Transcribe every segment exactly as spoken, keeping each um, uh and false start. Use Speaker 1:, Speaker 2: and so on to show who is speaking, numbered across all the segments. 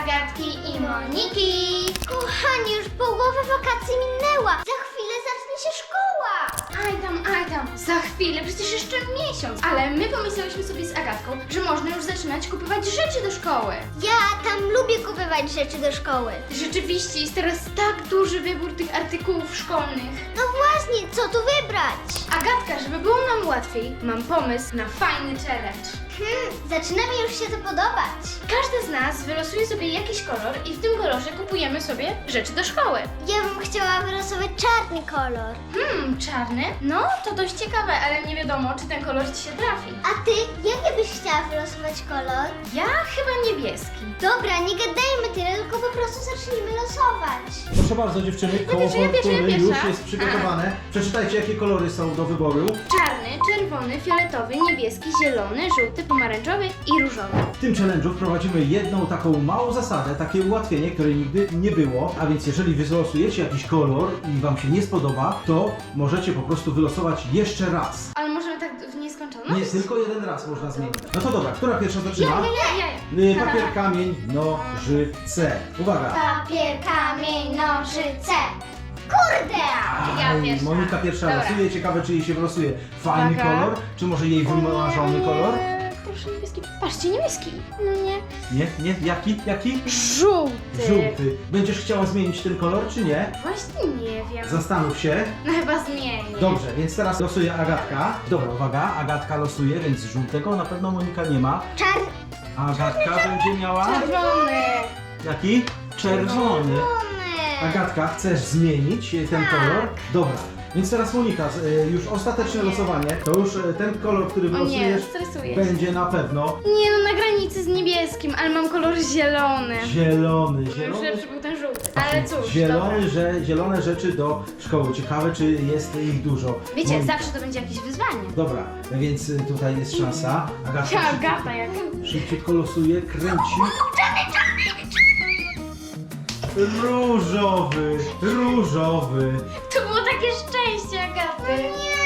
Speaker 1: Agatki i Moniki. Kochani, już połowa wakacji minęła. Za chwilę zacznie się szkoła.
Speaker 2: Aj tam, aj tam, za chwilę, przecież jeszcze miesiąc. Ale my pomyślałyśmy sobie z Agatką, że można już zaczynać kupować rzeczy do szkoły.
Speaker 1: Ja tam lubię kupować rzeczy do szkoły.
Speaker 2: Rzeczywiście jest teraz tak duży wybór tych artykułów szkolnych.
Speaker 1: No właśnie, co tu wybrać?
Speaker 2: Agatka, żeby było nam łatwiej, mam pomysł na fajny challenge.
Speaker 1: Hmm, zaczyna mi już się to podobać.
Speaker 2: Każdy z nas wylosuje sobie jakiś kolor i w tym kolorze kupujemy sobie rzeczy do szkoły.
Speaker 1: Ja bym chciała wylosować czarny kolor.
Speaker 2: Hmm, czarny? No, to dość ciekawe, ale nie wiadomo, czy ten kolor ci się trafi.
Speaker 1: A ty, jaki byś chciała wylosować kolor?
Speaker 2: Ja chyba niebieski.
Speaker 1: Dobra, nie gadajmy tyle, tylko po prostu zacznijmy losować.
Speaker 3: Proszę bardzo dziewczyny, koło
Speaker 2: pierwsza, ja pierwsza, ja
Speaker 3: fortuny już
Speaker 2: pierwsza.
Speaker 3: jest przygotowane. Przeczytajcie, jakie kolory są do wyboru.
Speaker 2: Czarny, czerwony, fioletowy, niebieski, zielony, żółty, pomarańczowy i różowy.
Speaker 3: W tym challenge'u wprowadzimy jedną taką małą zasadę, takie ułatwienie, której nigdy nie było. A więc jeżeli wy wylosujecie jakiś kolor i wam się nie spodoba, to możecie po prostu wylosować jeszcze raz.
Speaker 2: Ale możemy tak w nieskończoność?
Speaker 3: Nie, tylko jeden raz można zmienić. No to dobra, która pierwsza zaczyna?
Speaker 2: Ja, ja, ja.
Speaker 3: Y, Papier, kamień, nożyce. Uwaga!
Speaker 1: Papier, kamień, nożyce. Kurde!
Speaker 2: Ja
Speaker 3: Aj,
Speaker 2: pierwsza.
Speaker 3: Monika pierwsza
Speaker 2: Dobra.
Speaker 3: losuje, ciekawe czy jej się wylosuje fajny
Speaker 2: Uwaga.
Speaker 3: kolor, czy może jej wymarzony kolor?
Speaker 2: Eee, proszę niebieski. Patrzcie, niebieski. No nie.
Speaker 3: Nie, nie, jaki, jaki?
Speaker 2: Żółty.
Speaker 3: Żółty. Będziesz chciała zmienić ten kolor, czy nie?
Speaker 2: Właśnie nie wiem.
Speaker 3: Zastanów się.
Speaker 2: No chyba zmienię.
Speaker 3: Dobrze, więc teraz losuje Agatka. Dobra, uwaga, Agatka losuje, więc żółtego na pewno Monika nie ma.
Speaker 1: Czarny.
Speaker 3: Agatka będzie miała...
Speaker 2: Czerwony.
Speaker 3: Jaki? Czerwony. Agatka, chcesz zmienić e, ten
Speaker 1: Tak.
Speaker 3: kolor? Dobra. Więc teraz Monika, z- e, już ostateczne losowanie. To już e, ten kolor, który
Speaker 2: O nie,
Speaker 3: wylosujesz,
Speaker 2: stresuję się.
Speaker 3: będzie na pewno
Speaker 2: Nie no, na granicy z niebieskim, ale mam kolor zielony.
Speaker 3: zielony.
Speaker 2: Już
Speaker 3: Zielony.
Speaker 2: lepszy był ten żółty. Ale cóż,
Speaker 3: Zielony,
Speaker 2: dobra.
Speaker 3: że, zielone rzeczy do szkoły. Ciekawe, czy jest ich dużo.
Speaker 2: Wiecie,
Speaker 3: Monika.
Speaker 2: zawsze to będzie jakieś wyzwanie.
Speaker 3: Dobra, więc y, tutaj jest szansa. Agatka
Speaker 2: Ja,
Speaker 3: szybciutko,
Speaker 2: gata jak.
Speaker 3: szybciutko losuje, kręci. Różowy, różowy.
Speaker 2: To było takie szczęście, Agaty.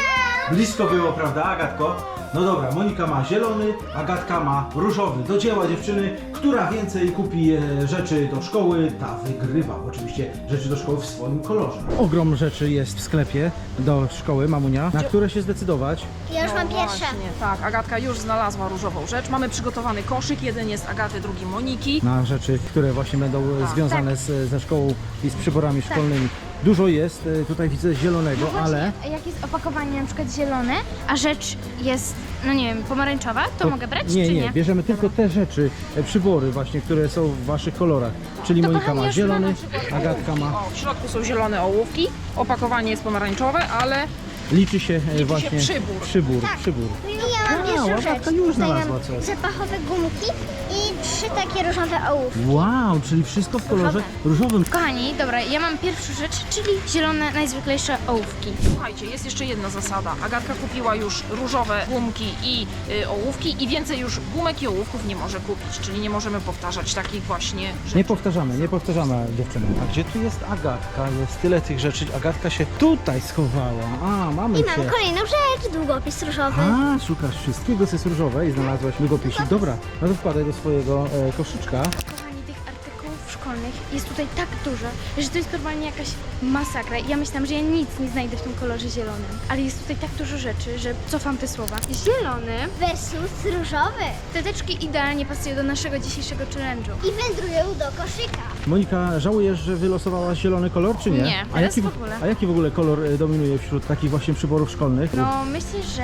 Speaker 3: Blisko było, prawda, Agatko? No dobra, Monika ma zielony, Agatka ma różowy. Do dzieła, dziewczyny. Która więcej kupi e, rzeczy do szkoły, ta wygrywa. Oczywiście rzeczy do szkoły w swoim kolorze. Ogrom rzeczy jest w sklepie do szkoły, mamunia. Na które się zdecydować?
Speaker 1: Ja już
Speaker 4: No
Speaker 1: mam pierwsze.
Speaker 4: właśnie, tak, Agatka już znalazła różową rzecz. Mamy przygotowany koszyk, jeden jest Agaty, drugi Moniki.
Speaker 3: Na rzeczy, które właśnie będą e,
Speaker 4: Tak.
Speaker 3: związane z, ze szkołą i z przyborami szkolnymi. Dużo jest, e, tutaj widzę zielonego, ale...
Speaker 2: Jak jest opakowanie na przykład zielone, a rzecz jest, no nie wiem, pomarańczowa, to, mogę brać
Speaker 3: nie,
Speaker 2: czy
Speaker 3: nie,
Speaker 2: nie?
Speaker 3: bierzemy tylko te rzeczy, e, przybory właśnie, które są w waszych kolorach. Czyli
Speaker 2: To
Speaker 3: Monika
Speaker 2: kochani,
Speaker 3: ma
Speaker 2: już
Speaker 3: zielony,
Speaker 2: mam na przykład
Speaker 3: Agatka ma...
Speaker 4: O, w środku są zielone ołówki, opakowanie jest pomarańczowe, ale
Speaker 3: Liczy się e,
Speaker 4: się
Speaker 3: właśnie
Speaker 4: przybór.
Speaker 3: przybór, przybór.
Speaker 1: Ja mam
Speaker 3: A,
Speaker 1: pierwszą
Speaker 3: Agatka
Speaker 1: rzecz.
Speaker 3: już
Speaker 1: Tutaj
Speaker 3: znalazła
Speaker 1: mam
Speaker 3: coś.
Speaker 1: zapachowe gumki i trzy takie różowe ołówki.
Speaker 3: Wow, czyli wszystko w kolorze różowym.
Speaker 2: Kochani, dobra, ja mam pierwszą rzecz, czyli zielone, najzwyklejsze ołówki.
Speaker 4: słuchajcie, jest jeszcze jedna zasada. Agatka kupiła już różowe gumki i y, ołówki i więcej już gumek i ołówków nie może kupić, czyli nie możemy powtarzać takich właśnie rzeczy.
Speaker 3: Nie powtarzamy, nie powtarzamy, dziewczyny. A gdzie tu jest Agatka? Jest tyle tych rzeczy. Agatka się tutaj schowała. A, mamy
Speaker 1: I
Speaker 3: cię.
Speaker 1: mam kolejną rzecz, długopis różowy.
Speaker 3: A, szukasz wszystkiego, co jest różowe i znalazłaś długopisik. Dobra, no to wkładaj do swojego e, koszyczka.
Speaker 2: Kochani, tych artykułów szkolnych jest tutaj tak dużo, że to jest normalnie jakaś masakra. Ja myślałam, że ja nic nie znajdę w tym kolorze zielonym, ale jest tutaj tak dużo rzeczy, że cofam te słowa. Zielony,
Speaker 1: Versus różowy.
Speaker 2: te teczki idealnie pasują do naszego dzisiejszego challenge'u.
Speaker 1: I wędrują do koszyka.
Speaker 3: Monika, żałujesz, że wylosowałaś zielony kolor, czy nie?
Speaker 2: Nie,
Speaker 3: a,
Speaker 2: teraz
Speaker 3: jaki,
Speaker 2: w ogóle.
Speaker 3: a jaki w ogóle kolor e, dominuje wśród takich właśnie przyborów szkolnych?
Speaker 2: No, myślę, że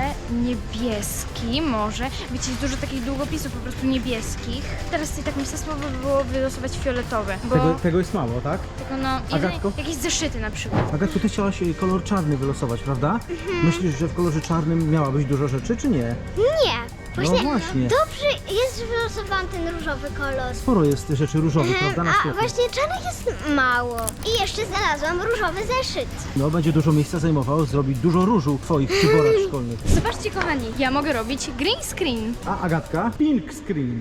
Speaker 2: niebieski może. Wiecie, jest dużo takich długopisów po prostu niebieskich. Teraz sobie tak myślę, słabo by było wylosować fioletowy, bo
Speaker 3: Tego, tego jest mało, tak?
Speaker 2: tylko no,
Speaker 3: Agatko?
Speaker 2: jedynie jakieś zeszyty na przykład.
Speaker 3: Agatko, ty chciałaś e, kolor czarny wylosować, prawda?
Speaker 2: Mhm.
Speaker 3: Myślisz, że w kolorze czarnym miałabyś dużo rzeczy, czy nie?
Speaker 1: Nie. Właśnie,
Speaker 3: właśnie.
Speaker 1: dobrze jest, że wylosowałam ten różowy kolor.
Speaker 3: Sporo jest rzeczy różowych, prawda? Na
Speaker 1: A
Speaker 3: świecie.
Speaker 1: właśnie czarnych jest mało. I jeszcze znalazłam różowy zeszyt.
Speaker 3: No, będzie dużo miejsca zajmował, zrobić dużo różu w twoich przyborach szkolnych.
Speaker 2: Zobaczcie, kochani, ja mogę robić green screen.
Speaker 3: A Agatka? Pink screen.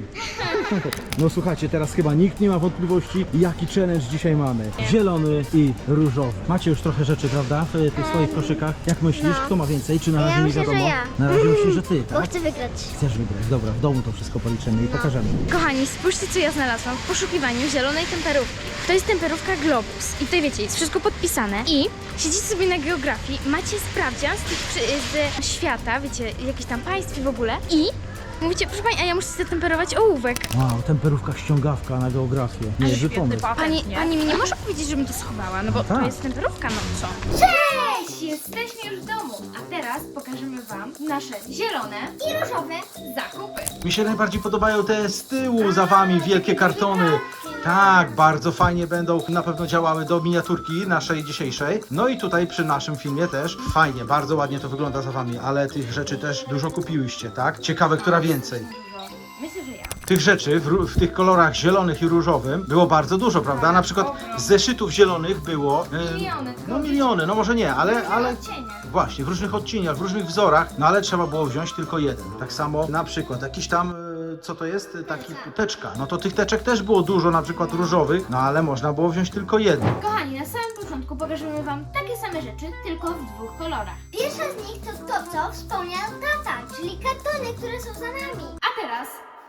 Speaker 3: No słuchajcie, teraz chyba nikt nie ma wątpliwości, jaki challenge dzisiaj mamy. Zielony i różowy. Macie już trochę rzeczy, prawda? W tych swoich koszykach. Jak myślisz,
Speaker 1: No.
Speaker 3: kto ma więcej? Czy na
Speaker 1: Ja
Speaker 3: razie nie
Speaker 1: myślę, że
Speaker 3: wiadomo?
Speaker 1: ja.
Speaker 3: Na razie myślisz, że ty,
Speaker 1: Bo
Speaker 3: tak?
Speaker 1: chcę wygrać.
Speaker 3: Chcesz też wygrać. Dobra, w domu to wszystko policzymy i pokażemy.
Speaker 2: Kochani, spójrzcie, co ja znalazłam w poszukiwaniu zielonej temperówki. To jest temperówka Globus i tutaj wiecie, jest wszystko podpisane i siedzicie sobie na geografii, macie sprawdzian z, tych, przy- ze świata, wiecie, jakieś tam państw i w ogóle i mówicie, proszę pani, a ja muszę zatemperować ołówek.
Speaker 3: Wow, temperówka ściągawka na geografię. Niezły
Speaker 4: Świetny
Speaker 3: pomysł.
Speaker 4: patent,
Speaker 2: Pani,
Speaker 4: nie?
Speaker 2: pani mi nie może powiedzieć, żebym to schowała, no bo
Speaker 3: No tak.
Speaker 2: to jest temperówka, no co?
Speaker 1: Cześć!
Speaker 2: Jesteśmy już w domu, a teraz pokażemy wam nasze zielone
Speaker 1: I różowe.
Speaker 2: zakupy.
Speaker 3: Mi się najbardziej podobają te z tyłu za wami wielkie kartony. Tak, bardzo fajnie będą na pewno działały do miniaturki naszej dzisiejszej. No i tutaj przy naszym filmie też fajnie, bardzo ładnie to wygląda za wami, ale tych rzeczy też dużo kupiłyście, tak? Ciekawe, która więcej.
Speaker 2: Myślę, że ja.
Speaker 3: Tych rzeczy w, ró- w tych kolorach zielonych i różowym było bardzo dużo, prawda? Na przykład z zeszytów zielonych było... e,
Speaker 2: Miliony, tylko
Speaker 3: No miliony, no może nie, ale... ale...
Speaker 2: odcienie.
Speaker 3: Właśnie, w różnych odcieniach, w różnych wzorach, no ale trzeba było wziąć tylko jeden. Tak samo na przykład jakiś tam, e, co to jest? Taki teczka. No to tych teczek też było dużo, na przykład różowych, no ale można było wziąć tylko jeden.
Speaker 2: Kochani, na samym początku pokażemy wam takie same rzeczy, tylko w dwóch kolorach.
Speaker 1: Pierwsza z nich to to, co wspomniał tata, czyli kartony, które są za nami.
Speaker 2: A teraz...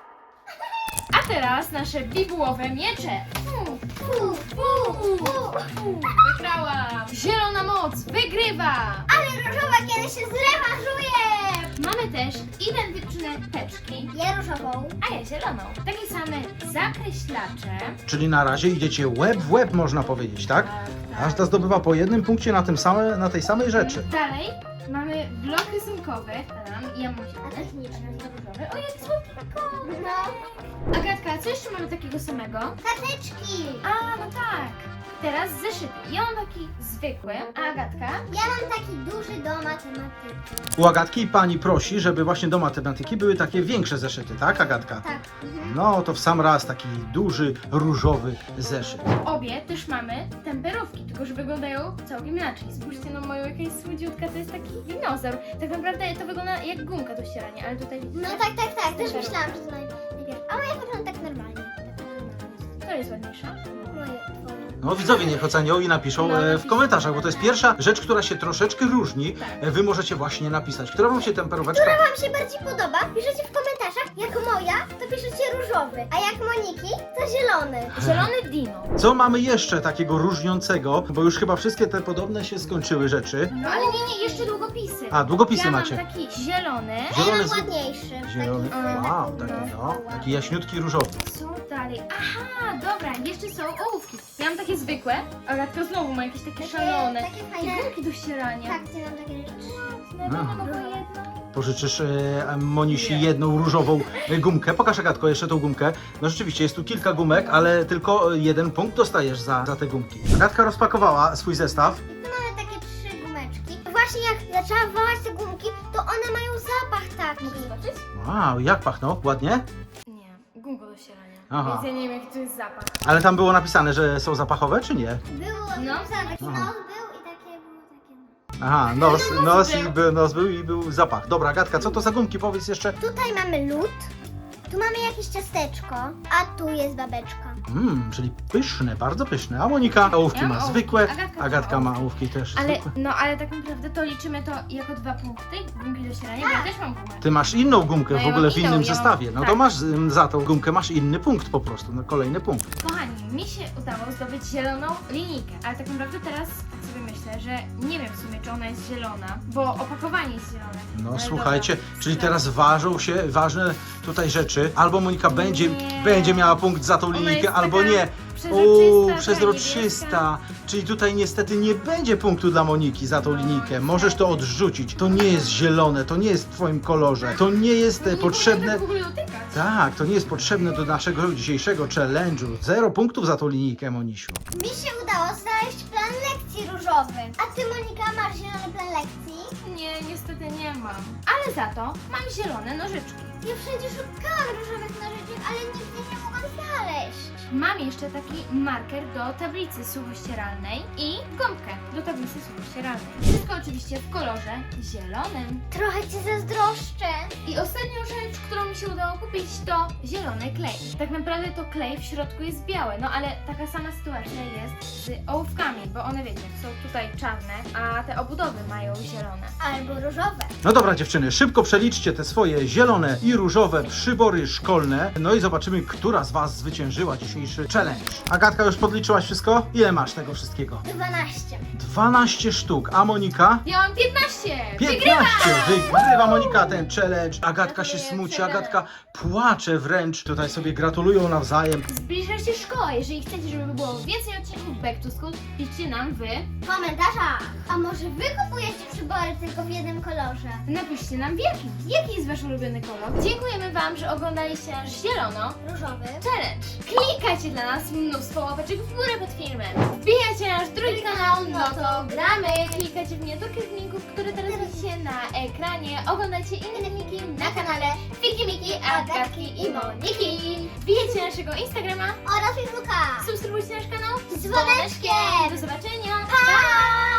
Speaker 2: A teraz nasze bibułowe miecze.
Speaker 1: Fu, fu, fu, fu.
Speaker 2: Wygrałam! Zielona moc wygrywa!
Speaker 1: Ale różowa kiedy się zrewanżuje!
Speaker 2: Mamy też identyczne teczki,
Speaker 1: Ja różową.
Speaker 2: a ja zieloną. Takie same zakreślacze.
Speaker 3: Czyli na razie idziecie łeb w łeb, można powiedzieć, tak? Każda zdobywa po jednym punkcie na, tym same, na tej samej rzeczy.
Speaker 2: Dalej mamy blok rysunkowy. Tam, ja mam zielony,
Speaker 1: techniczny.
Speaker 2: różowy. O, jaki słodko!
Speaker 1: No,
Speaker 2: Agatka, co jeszcze mamy takiego samego?
Speaker 1: karteczki.
Speaker 2: A, no tak. Teraz zeszyty. Ja mam taki zwykły, a Agatka?
Speaker 1: Ja mam taki duży do matematyki.
Speaker 3: U Agatki pani prosi, żeby właśnie do matematyki były takie większe zeszyty, tak Agatka?
Speaker 1: Tak. Mhm.
Speaker 3: No to w sam raz taki duży, różowy zeszyt.
Speaker 2: Obie też mamy temperówki, tylko że wyglądają całkiem inaczej. Spójrzcie na moją, jaka jest słodziutka, to jest taki dinozaur. Tak naprawdę to wygląda jak gumka do ścierania, ale tutaj widzicie?
Speaker 1: No tak, tak, tak. Też
Speaker 2: Super.
Speaker 1: myślałam, że to naj- najpierw. A moja wygląda tak normalnie. Tak normalnie.
Speaker 2: To jest ładniejsza.
Speaker 1: Moje, twoje.
Speaker 3: No widzowie niech ocenią i napiszą
Speaker 2: No,
Speaker 3: e, w
Speaker 2: napiszcie.
Speaker 3: komentarzach, bo to jest pierwsza rzecz, która się troszeczkę różni.
Speaker 2: Tak.
Speaker 3: E, Wy możecie właśnie napisać, która wam się temperóweczka...
Speaker 1: Która wam się bardziej podoba? Piszecie w komentarzach. Jak moja, to piszecie różowy. A jak Moniki, to zielony.
Speaker 2: Zielony dino.
Speaker 3: Co mamy jeszcze takiego różniącego? Bo już chyba wszystkie te podobne się skończyły rzeczy.
Speaker 2: No ale nie, nie, jeszcze długopisy.
Speaker 3: A, długopisy
Speaker 2: ja mam
Speaker 3: macie.
Speaker 2: taki zielony.
Speaker 1: A ja
Speaker 3: Zielony
Speaker 1: mam
Speaker 3: z-
Speaker 1: ładniejszy.
Speaker 3: Zielony,
Speaker 1: Taki,
Speaker 3: wow,
Speaker 1: taki,
Speaker 3: taki
Speaker 1: no,
Speaker 3: no,
Speaker 1: ładny.
Speaker 3: taki jaśniutki różowy.
Speaker 2: Co dalej? Aha, dobra, jeszcze są ołówki. Ja mam takie zwykłe, Agatka znowu ma jakieś takie szalone.
Speaker 1: Takie
Speaker 2: Takie
Speaker 1: fajne.
Speaker 2: gumki do ścierania.
Speaker 1: Tak, ty mam takie rzeczy.
Speaker 2: No, no, no, no, jedno.
Speaker 3: Pożyczysz e, Monisi
Speaker 2: Nie.
Speaker 3: jedną różową e, gumkę. Pokaż Agatko jeszcze tą gumkę. No rzeczywiście jest tu kilka gumek, ale tylko jeden punkt dostajesz za, za te gumki. Agatka rozpakowała swój zestaw.
Speaker 1: Tu mamy takie trzy gumeczki. Właśnie jak zaczęłam wołać te gumki, to one mają zapach taki.
Speaker 2: Mogę zobaczyć?
Speaker 3: Wow, jak pachną? Ładnie?
Speaker 2: Nie, gumko do ścierania.
Speaker 3: Aha.
Speaker 2: Więc ja nie wiem, jaki to jest zapach.
Speaker 3: Ale tam było napisane, że są zapachowe, czy nie?
Speaker 1: Było,
Speaker 2: No.
Speaker 1: no. taki
Speaker 3: Aha.
Speaker 1: nos był i takie było takie...
Speaker 3: Aha, nos, nos,
Speaker 2: był.
Speaker 3: i był, nos był i był zapach. Dobra, Agatka, co to za gumki? Powiedz jeszcze.
Speaker 1: Tutaj mamy lód, tu mamy jakieś ciasteczko, a tu jest babeczka.
Speaker 3: Mmm, czyli pyszne, bardzo pyszne. A Monika ołówki
Speaker 2: Ja mam
Speaker 3: ma
Speaker 2: ołówki.
Speaker 3: zwykłe,
Speaker 2: Agatka ma
Speaker 3: Agatka ma
Speaker 2: ołówki.
Speaker 3: ołówki też
Speaker 2: Ale,
Speaker 3: zwykłe.
Speaker 2: no, ale tak naprawdę to liczymy to jako dwa punkty, gumki do ścierania, bo ja też mam gumę.
Speaker 3: Ty masz inną gumkę
Speaker 2: No
Speaker 3: w
Speaker 2: ja
Speaker 3: ogóle
Speaker 2: mam
Speaker 3: w
Speaker 2: inną,
Speaker 3: innym
Speaker 2: ja mam-
Speaker 3: zestawie. No to
Speaker 2: tak.
Speaker 3: masz ym, za tą gumkę masz inny punkt po prostu, no kolejny punkt.
Speaker 2: Kochani, mi się udało zdobyć zieloną linijkę, ale tak naprawdę teraz tak sobie myślę, że nie wiem w sumie, czy ona jest zielona, bo opakowanie jest zielone.
Speaker 3: No
Speaker 2: Ale
Speaker 3: słuchajcie,
Speaker 2: dobra.
Speaker 3: czyli teraz ważą się ważne tutaj rzeczy. Albo Monika będzie,
Speaker 2: Nie.
Speaker 3: będzie miała punkt za tą
Speaker 2: Ona
Speaker 3: linijkę,
Speaker 2: jest
Speaker 3: albo
Speaker 2: taka
Speaker 3: nie.
Speaker 2: przezroczysta, ta
Speaker 3: przezroczysta. Czyli tutaj niestety nie będzie punktu dla Moniki za tą
Speaker 2: No,
Speaker 3: linijkę. Możesz to odrzucić. To nie jest zielone, to nie jest w twoim kolorze. To nie jest
Speaker 2: No
Speaker 3: e,
Speaker 2: nie
Speaker 3: potrzebne.
Speaker 2: powinno tak w ogóle dotykać.
Speaker 3: Tak, to nie jest potrzebne do naszego dzisiejszego challenge'u. Zero punktów za tą linijkę, Monisiu.
Speaker 1: Mi się udało znaleźć plan lekcji różowy. A ty, Monika, masz zielony plan lekcji?
Speaker 2: Nie, niestety nie mam. Ale za to mam zielone nożyczki.
Speaker 1: Ja wszędzie szukałam różowych nożyczek, ale nigdzie nie mogłam znaleźć.
Speaker 2: mam jeszcze taki marker do tablicy suchościeralnej i gąbkę do tablicy suchościeralnej. Wszystko oczywiście w kolorze zielonym.
Speaker 1: Trochę cię zazdroszczę.
Speaker 2: I ostatnią rzecz, którą mi się udało kupić, to zielony klej. Tak naprawdę to klej w środku jest biały, no ale taka sama sytuacja jest z ołówkami, bo one wiecie, są tutaj czarne, a te obudowy mają zielone.
Speaker 1: Albo różowe.
Speaker 3: No dobra dziewczyny, szybko przeliczcie te swoje zielone i różowe przybory szkolne. No i zobaczymy, która z was zwyciężyła dzisiejszy challenge. Agatka, już podliczyłaś wszystko? Ile masz tego wszystkiego?
Speaker 1: dwanaście.
Speaker 3: dwanaście sztuk, a Monika?
Speaker 2: Ja mam piętnaście!
Speaker 3: piętnaście! Wygrywa Monika ten challenge. Agatka się
Speaker 2: Gratuluję,
Speaker 3: smuci,
Speaker 2: challenge.
Speaker 3: Agatka płacze wręcz. Tutaj sobie gratulują nawzajem.
Speaker 2: Zbliża się szkoła, jeżeli chcecie, żeby było więcej odcinków Back to School, piszcie nam w...
Speaker 1: W komentarzach. A może wy kupujecie przybory tylko w jednym kolorze?
Speaker 2: Napiszcie nam w jakim. Jaki jest wasz ulubiony kolor? Dziękujemy wam, że oglądaliście nasz zielono
Speaker 1: Różowy.
Speaker 2: challenge. Klikajcie dla nas mnóstwo łapeczek w górę pod filmem. Wbijajcie na nasz drugi kanał, no to gramy. Klikajcie w miniaturkę z linków, które teraz widzicie na ekranie. Oglądajcie inne filmiki na kanale Fiki Miki, Agatki i Moniki. Wbijajcie na naszego Instagrama,
Speaker 1: Oraz Facebooka.
Speaker 2: subskrybujcie nasz kanał
Speaker 1: Z dzwoneczkiem.
Speaker 2: Do zobaczenia.
Speaker 1: Pa!